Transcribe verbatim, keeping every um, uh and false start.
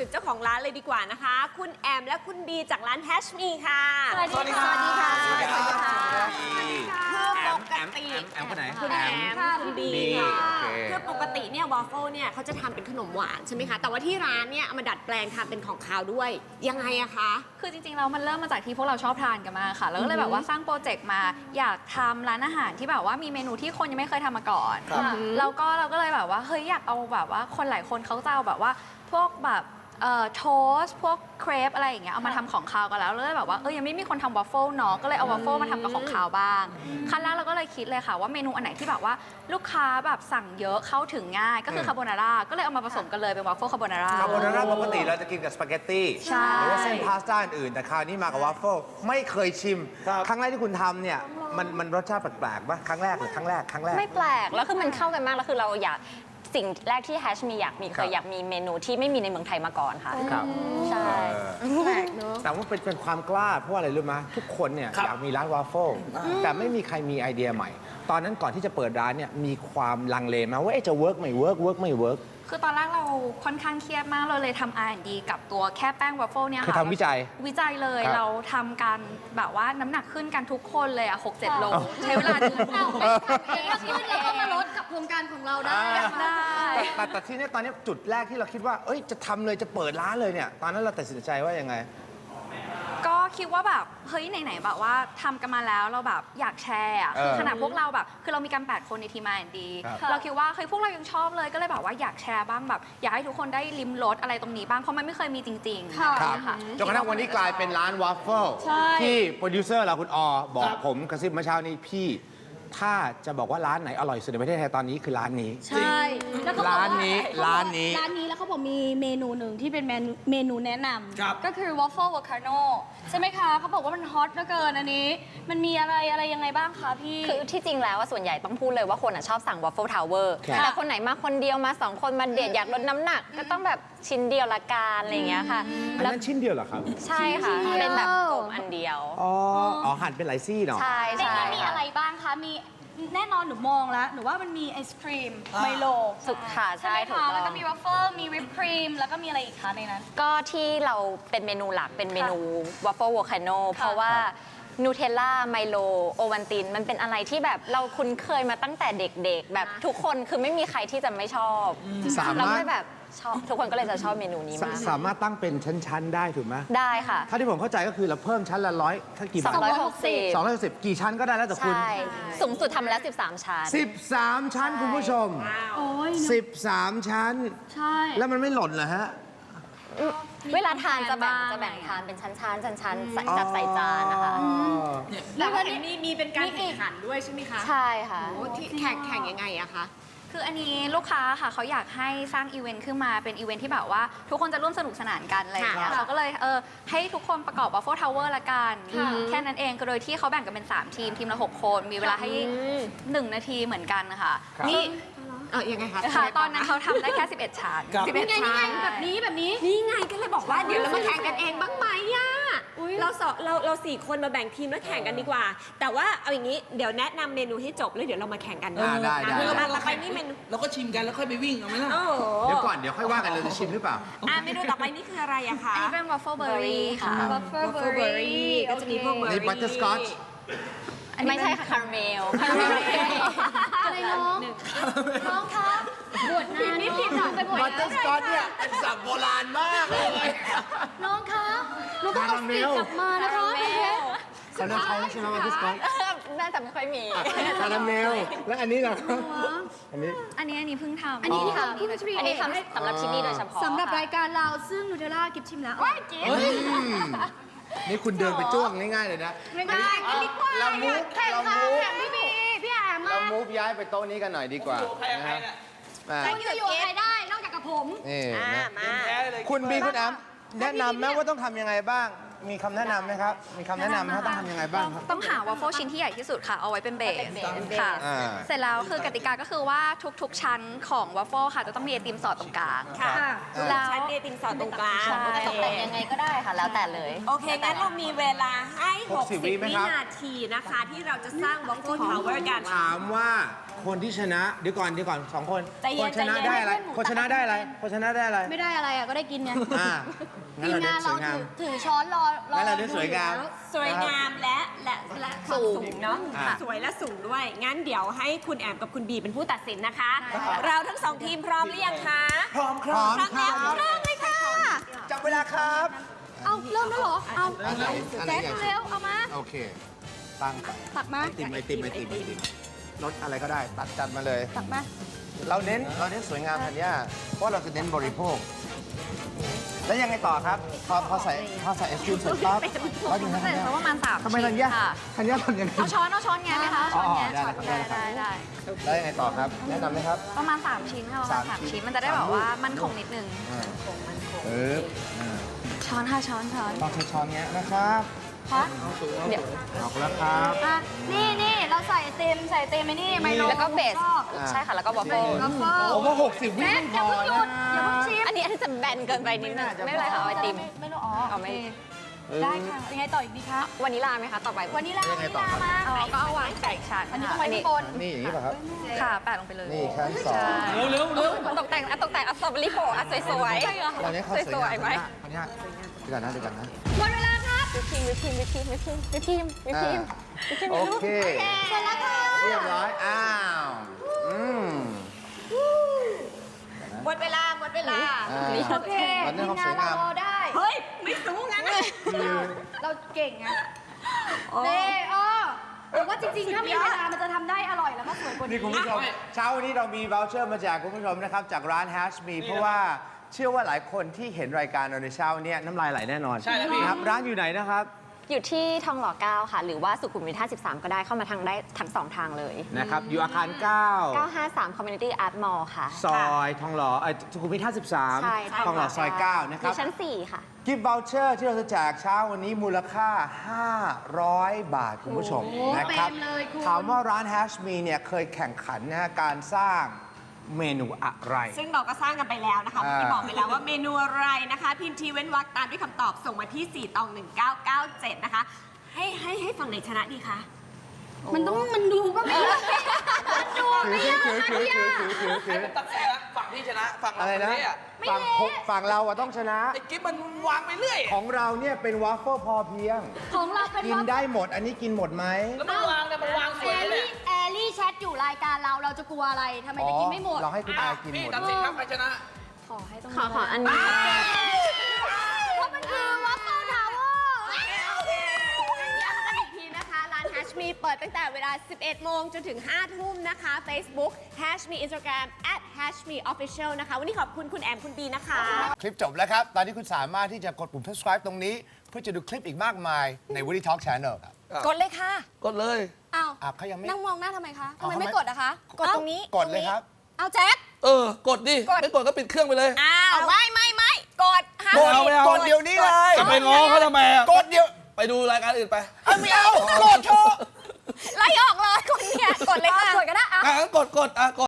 ถึงเจ้าของร้านเลยดีกว่านะคะคุณแอมและคุณบีจากร้านแฮชมีค่ะสวัสดีค่ะสวัสดีค่ะสวัสดีค่ะคือปกติแอมคนไหนคุณแอมคุณบีค่ะโอเคคือปกติเนี่ยวอฟเฟิลเนี่ยเขาจะทำเป็นขนมหวานใช่ไหมคะแต่ว่าที่ร้านเนี่ยเอามาดัดแปลงทำเป็นของคาวด้วยยังไงอะคะคือจริงๆแล้วมันเริ่มมาจากที่พวกเราชอบทานกันมากค่ะ แล้วก็เลยแบบว่าสร้างโปรเจกต์มาอยากทำร้านอาหารที่แบบว่ามีเมนูที่คนยังไม่เคยทำมาก่อนแล้วก็เราก็เลยแบบว่าเฮ้ยอยากเอาแบบว่าคนหลายคนเขาจะเอาแบบว่าพวกแบบเอ่อโทสพวกเครปอะไรอย่างเงี้ยเอามาทำของคาวกันแล้วเลยแบบว่าเออยังไม่มีคนทำวอฟเฟิลเนาะก็เลยเอาวอฟเฟิลมาทำกับของคาวบ้างขั้นแรกเราก็เลยคิดเลยค่ะว่าเมนูอันไหนที่แบบว่าลูกค้าแบบสั่งเยอะเข้าถึงง่ายก็คือคาโบนาร่าก็เลยเอามาผสมกันเลยเป็นวอฟเฟิลคาโบนาร่าคาโบนาร่าปกติเราจะกินกับสปาเกตตี้ใช่หรือว่าเส้นพาสต้าอื่นแต่คราวนี้มากับวาฟเฟิลไม่เคยชิม ครั้งแรกที่คุณทำเนี่ยมันมันรสชาติแปลกๆป่ะครั้งแรกหรือครั้งแรกครั้งแรกไม่แปลก แล้วคือมันเข้ากันมาก แล้วคือเราอยากสิ่งแรกที่แฮชมีอยากมีคเครับ ยอยากมีเมนูที่ไม่มีในเมืองไทยมาก่อนค่ะครับใช่แปลกเนอะแต่ว่าเป็นเป็นความกล้าเพราะอะไรรู้ไหมทุกคนเนี่ยอยากมีร้านวาฟเฟิลแต่ไม่มีใครมีไอเดียใหม่ ตอนนั้นก่อนที่จะเปิดร้านเนี่ยมีความลังเลไหมว่าเอ๊ะจะเวิร์กไม่เวิร์กเวิร์กไม่เวิร์กคือตอนแรกเราค่อนข้างเครียดมากเราเลยทำ อาร์ แอนด์ ดี กับตัวแค่แป้งวอฟเฟิลเนี่ยคือค่ะทำวิจัยวิจัยเลยครับเราทำกันแบบว่าน้ำหนักขึ้นกันทุกคนเลยอ่ะหกเจ็ดโลอ้าวใช้เวลาเดือนเอาไปทำเองก็ขึ้นแล้วก็มาลดกับโครงการของเราได้ได้แต่แต่แต่ที่เนี้ตอนนี้จุดแรกที่เราคิดว่าเอ้ยจะทำเลยจะเปิดร้านเลยเนี่ยตอนนั้นเราตัดสินใจว่ายังไงก็คิดว่าแบบเฮ้ยไหนๆแบบว่าทำกันมาแล้วเราแบบอยากแชร์อะคือเออขนาดพวกเราแบบคือเรามีกันแปดคนในทีม อาร์ แอนด์ ดีครับเราคิดว่าเฮ้ยพวกเรายังชอบเลยก็เลยแบบว่าอยากแชร์บ้างแบบอยากให้ทุกคนได้ลิ้มรสอะไรตรงนี้บ้างเพราะมันไม่เคยมีจริงๆค่ะครับค่ะจนกระทั่งวันนี้กลายเป็นร้านวาฟเฟิลใช่ที่โปรดิวเซอร์เราคุณออบอกผมกระซิบเมื่อเช้านี้พี่ ถ้าจะบอกว่าร้านไหนอร่อยสุดในประเทศไทยตอนนี้คือร้านนี้ใช่แล้วเขาบอกว่ร้านนี้ร้านนี้ร้านนี้แล้วเขาบอกมีเมนูหนึ่งที่เป็นเมนูเมนูแนะนำก็คือ waffle volcano ใช่ไหมคะเขาบอกว่ามันฮอตเหลือเกินอันนี้ มันมีอะไรอะไรยังไงบ้างคะพี่คือที่จริงแล้วว่าส่วนใหญ่ต้องพูดเลยว่าคนอะชอบสั่ง Waffle Tower ครับแต่คนไหนมาคนเดียวมาสองคนมาเดทอยากลดน้ำหนัก ก็ต้องแบบชิ้นเดียวละกันอะไรอย่างเงี้ยค่ะอันแล้วนั้นชิ้นเดียวเหรอครับใช่ค่ะชิ้นเดียวเป็นแบบกลมอันเดียวอ๋อ อ๋อหั่นเป็นหลายซี่เนาะใช่ในใช่นี้มีค่ะอะไรบ้างคะ มีแน่นอนหนูมองแล้ว หนูว่ามันมีไอศครีมไมโลสุดค่ะใช่ใช่ไหมถูกคะต้แล้วอก็งมีวัฟเฟิลมีวิปครีม แล้วก็มีอะไรอีกคะในนั้นก็ที่เราเป็นเมนูหลักเป็นเมนู Waffle Volcano เพราะว่านูเทลล่าไมโลโอวันตินมันเป็นอะไรที่แบบเราคุ้นเคยมาตั้งแต่เด็กๆ แบบทุกคนคือไม่มีใครที่จะไม่ชอบสามารถเราก็เลยแบบชอบทุกคนก็เลยจะชอบเมนูนี้สมากสามารถตั้งเป็นชั้น ๆ ได้ถูกไหมได้ค่ะถ้าที่ผมเข้าใจก็คือเราเพิ่มชั้นละร้อยถ้ากี่บาทสองร้อยหกสิบสองร้อยสิบกี่ชั้นก็ได้แล้วแต่คุณใช่ สูงสุดทำแล้ว สิบสาม ชั้นสิบสามชั้นคุณผู้ชมโอ้ยสิบสามชั้นใช่แล้วมันไม่หล่นเหรอฮะเวลาทานจะแบ่งบ้างจะแบ่งทานเป็นชั้นๆชั้นๆใส่จัดใส่จานนะคะแต่ว่าเห็นมีมีเป็นการแข่งขันด้วยใช่ไหมคะใช่ค่ะโอ้ที่แข่งแข่งยังไงอะคะคืออันนี้ลูกค้าค่ะเขาอยากให้สร้างอีเวนต์ขึ้นมาเป็นอีเวนต์ที่แบบว่าทุกคนจะร่วมสนุกสนานกันอะไรอย่างเงี้ยค่ะเขาก็เลยเออให้ทุกคนประกอบ Waffle Tower ละกันค่ะแค่นั้นเองก็โดยที่เขาแบ่งกันเป็น สาม ทีม ทีมละ หก คนมีเวลาให้หนึ่งนาทีเหมือนกันนะคะครับนี่เออยังไงคะค่ะตอนนั้นเขาทำได้แค่ สิบเอ็ด ชั้นสิบเอ็ดนี่ไงนี่ไงชั้นแบบนี้แบบนี้นี่ไงก็เลยบอกว่าเดี๋ยวเรามาแข่งกันเองบ้างไหมอะอุ๊ยเราสองเราเราสี่คนมาแบ่งทีมแล้วแข่งกันดีกว่า แต่ว่าเอาอย่างนี้เดี๋ยวแนะนำเมนูให้จบแล้วเดี๋ยวเรามาแข่งกันอ่าได้ได้อ่ะเราต่อไปนี่เมนูเราก็ชิมกันแล้วค่อยไปวิ่งเอาไหมล่ะโอ้โหเดี๋ยวก่อนเดี๋ยวค่อยว่ากันเราจะชิมหรือเปล่าอ่ะเมนูต่อไปนี่คืออะไรอะคะอันนี้เป็น Waffle Berry ค่ะ Waffle Waffle Berry ก็จะมีพวกเบอร์นี่รี่ butterscotch ไม่ใช่ค่ะคาราเมลอะไรน้องน้องคะบวชนานนี่ผิดหน่อยไปบวชบัตเตอร์สกอตเนี่ยเป็นศัพท์โบราณมากเลยน้องคะหนูต้องเอาสีกลับมานะคะคุณเพชรเขาเรียกเขาใช่ไหมบัตเตอร์สกอตน่าจะไม่ค่อยมีคาราเมล แล้วอันนี้ล่ะครับอันนี้อันนี้อันนี้เพิ่งทำอันนี้ที่ค่ะทำที่มันทรีอันนี้ทำสำหรับที่นี่โดยเฉพาะสำหรับค่ะรายการเราซึ่งนูเทลล่ากิฟชิมแล้วอืมนี่คุณเดินไปจ้วงง่ายๆเลยนะไม่ได้กันดีกว่าเรามูฟแข่งเราค่ะมูฟแข่งพี่บีพี่แอมมาเรามูฟย้ายไปโต๊ะนี้กันหน่อยดีกว่าใครกับใครน่ะอ่าคุณจะอยู่กับใครได้นอกจากกับผมนี่อ่ะนะมาแพ้เลยคุณบีคุณแอมแนะนำไหมว่าต้องทำยังไงบ้างมีคำแนะนำไหมครับ มีคำแนะนำไหมครับต้องทำยังไงบ้างครับต้องหาวอฟเฟิลชิ้นที่ใหญ่ที่สุดค่ะ เอาไว้เป็นเบสค่ะอ่าเสร็จแล้วคือกติกาก็คือว่าทุกๆ ชั้นของวอฟเฟิลค่ะ จะต้องมีไอติมสอดตรงกลางค่ะแล้วชั้นเดติมสอดตรงกลางใช่โอเคตกแต่งยังไงก็ได้ค่ะ แล้วแต่เลยโอเค งั้นเรามีเวลาให้หกสิบ 60 วิวิไหมครับนาทีนะคะ ที่เราจะสร้าง Waffle Tower กันถามว่าคนที่ชนะ เดี๋ยวก่อนเดี๋ยวก่อนสองคนใจเย็คน นชนะใจเย็นได้อะไร คนชนะได้อะไร คนชนะได้อะไรไม่ได้อะไรอ่ะก็ได้กินไงอ่างั้นทีมเราเน้งานนสเราวยงามถือถือช้อนรอรองั้นเราเน้นสวยงามสวยงามและและและความสูงสูงเนาะอ่าสวยและสูงด้วย งั้นเดี๋ยวให้คุณแอมกับคุณบีเป็นผู้ตัดสินนะคะ เราทั้งสองทีมพร้อมหรือยังคะพร้อมครับพร้อมแล้วเริ่มเลยค่ะจับเวลาครับเอาเริ่มแล้วเหรอ เอาอันไหนอันไหนแจ๊คใหญ่สุดเร็วเอามาโอเค ตั้งไปตักมาไอติมไอติมไอติมไอติมรสอะไรก็ได้ ตัดจัดมาเลยตักมาเราเน้นเราเน้นสวยงามธัญญาเพราะเราจะเน้นบริโภค แล้วยังไงต่อครับ พอพอใส่พอใส่ไอศครีมเสร็จปั๊บก็ยังไงเสร็จธัญญาแล้วประมาณสามทำไมชิ้ธัญนญาค่ะธัญญาทำยังไงเอาช้อนเอาช้อนแงะไหมคะช้อนแงะอ๋อได้เลยครับได้ได้ได้เลยครับ แล้วยังไงต่อครับ แนะนำไหมครับประมาณสามชิ้นค่ะประมาณสาสาม มชิ้ชิ้นนมันจะได้แบบว่ามันคงนิดนึงอ่าปึ๊บอ่าช้อนค่ะช้อนช้อนลองใช้ช้อนเงี้ยนะครับฮะเดี๋ยวออกแล้วครับอ่ะนี่นี่เราใส่ไอติมใส่ไอติมไอ้นี่ไมโลแล้วก็เบสชอบอ่าใช่ค่ะ แล้วก็วอฟเฟิลวัฟเฟิลผมว่าหกสิบวิแจ๊คไม่อพย่าอเพิ่งหยุดอย่าเพิ่งนะชิมอันนี้อันนี้จะแบนเกินไปนิดนึงไม่เป็นไรค่ะเอาไอติมไม่รู้อ๋อเอาไหมโอเคได้ค่ะยังไงต่ออีกดีคะวานิลลาไหมคะ ต่อไปวันนี้ลายังไงวันนี้ต่อลาครับมาอ๋อก็เอาวางไก่ชั้นอันนี้ค่ะต้องไว้ข้างบนนี่อย่างนี้ป่ะครับค่ะแปะลงไปเลยนี่ขั้นสองใช่เร็วเร็วเร็วตกแต่งอ่ะตกแต่งเอาสตรอเบอรี่โปะอ่ะสวยๆตอนนี้เขาสวยสงาวยมๆไหมอันนี้เดี๋ยวก่อนนะเดี๋ยวก่อนนะหมดเวลาครับวิปครีมวิปครีมวิปครีมวิปครีมวิปครีมวิปครีมวิปครีมโอลูกเคเสร็จแล้วค่ะเรียบร้อย อ้าว อืมหมดเวลา หมดเวลาอ่าโอเคตอนนี้ทีมเขาสงาวน ยเรางามรอได้เฮ้ย ไม่สู้งั้นนะเราเก่งไงเน่อ้อแต่ว่าจริงๆ ถ้ามีเวลามันจะทำได้อร่อยแล้วก็สวยกว่านี่นี้คุณผู้ชม เช้าวันนี้เรามี voucher มาแจกคุณผู้ชมนะครับ จากร้าน Hash Me เพราะว่าเชื่อว่าหลายคนที่เห็นรายการเราในเช้าเนี้ยน้ำลายไหลแน่นอนใช่แล้วพี่นะครับ ร้านอยู่ไหนนะครับอยู่ที่ทองหล่อเก้าค่ะ หรือว่าสุขุมวิทห้าสิบสามก็ได้เข้ามาทางได้ทั้งสองทางเลยนะครับ อยู่อาคาร เก้าเก้าห้าสาม Community Art Mall ค่ะซอยทองหล่อเอ้ยสุขุมวิทห้าสิบสามใช่ทองหล่อซอยเก้านะคอรับยู่ชั้นสี่ค่ะกิฟต์ voucher ที่เราจะแจกเช้าวันนี้มูลค่า ห้าร้อย บาท คุณผู้ชมโอ้นะครับเต็มเลยคุณถามว่าร้าน Hash Me เนี่ยเคยแข่งขันนะฮะการสร้างเมนูอะไรซึ่งเราก็สร้างกันไปแล้วนะคะอ่าเมื่อกี้บอกไปแล้วว่าเมนูอะไรนะคะ พิมพ์ทีเว้นวรรคตามด้วยคำตอบส่งมาที่ สี่ ตอง หนึ่ง เก้า เก้า เจ็ด นะคะ ให้ให้ให้ฝั่งไหนชนะดีคะมันต้องมันดูก็ไม่ได้มันดูไม่ยากถือถือถือถือถือถือตัดสินนะฝั่งที่ชนะ ฝั่งเราอะไรนะเละฝั่งผมฝั่งเราอะต้องชนะไอ้กิ๊บมันวางไปเรื่อยของเราเนี่ยเป็นวาฟเฟิลพอเพียงของเราเป็นกินว่าได้หมด อันนี้กินหมดไหมแล้วมันวางเนี่ยมันวางสแอวยลเลยลี่แอลลี่แชทอยู่รายการเราเราจะกลัวอะไรทำไมจะกินไม่หมดเราให้คุณอ่ะอายกินพี่หมดตัดสินครับใครชนะขอให้ตรงขอนี้ขออันนี้เพราะมันคือวัฟเฟิลทาวเวอร์ย้ำกันอีกทีนะคะ ร้าน Hash Me เปิดตั้งแต่เวลา สิบเอ็ด โมงจนถึง ห้า ทุ่มนะคะ Facebook Hash Me Instagram at Hash Me Official นะคะ วันนี้ขอบคุณคุณแอมคุณบีนะคะคลิปจบแล้วครับ ตอนนี้คุณสามารถที่จะกดปุ่ม subscribe ตรงนี้ เพื่อจะดูคลิปอีกมากมายใน Woody Talk Channel ครับกดเลยค่ะกดเลยอ้าวอ่ะเขายังไม่นั่งมองหน้าทำไมคะทำเอาไมทำไมไม่กดอะคะกดตรงนี้กดเลยครับเอาแจ็คเออ กดดิ ไม่กดก็ปิดเครื่องไปเลยอ้าว ไม่ไม่ไม่กดห้ามกดเอาไม่เอากดเดี๋ยวนี้เลยจะไปง้อเขาทำไมอ่ะกดเดี๋ยวไปดูรายการอื่นไปเอาไม่เอา กดเถอะไล่ออกเลยคนเนี่ย กดเลยค่ะกดก็ได้อะอ่ะงั้นกดกดอ่ะกด